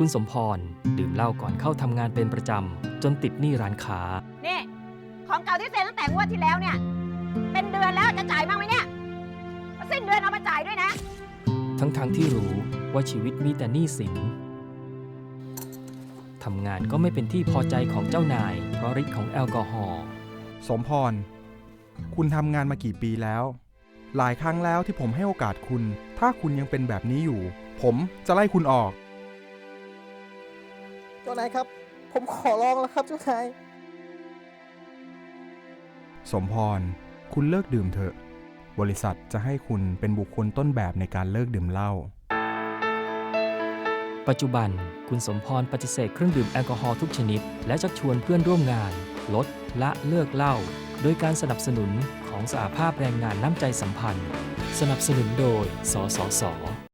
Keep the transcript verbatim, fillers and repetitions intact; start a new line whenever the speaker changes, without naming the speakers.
คุณสมพรดื่มเหล้าก่อนเข้าทำงานเป็นประจำจนติดหนี้ร้านค้า
นี่ของเก่าที่เซ็นตั้งแต่งวดที่แล้วเนี่ยเป็นเดือนแล้วจะจ่ายบ้างไหมเนี่ยสิ้นเดือนเอามาจ่ายด้วยนะ
ทั้งๆ ท, ที่รู้ว่าชีวิตมีแต่หนี้สินทำงานก็ไม่เป็นที่พอใจของเจ้านายเพราะฤทธิ์ของแอลกอฮอล์
สมพรคุณทำงานมากี่ปีแล้วหลายครั้งแล้วที่ผมให้โอกาสคุณถ้าคุณยังเป็นแบบนี้อยู่ผมจะไล่คุณออก
เจ้านายครับผมขอร้องแล้วครับเจ้านาย
สมพรคุณเลิกดื่มเถอะบริษัทจะให้คุณเป็นบุคคลต้นแบบในการเลิกดื่มเหล้า
ปัจจุบันคุณสมพรปฏิเสธเครื่องดื่มแอลกอฮอล์ทุกชนิดและชักชวนเพื่อนร่วมงานลดละเลิกเหล้าโดยการสนับสนุนของสหภาพแรงงานน้ำใจสัมพันธ์สนับสนุนโดยสสส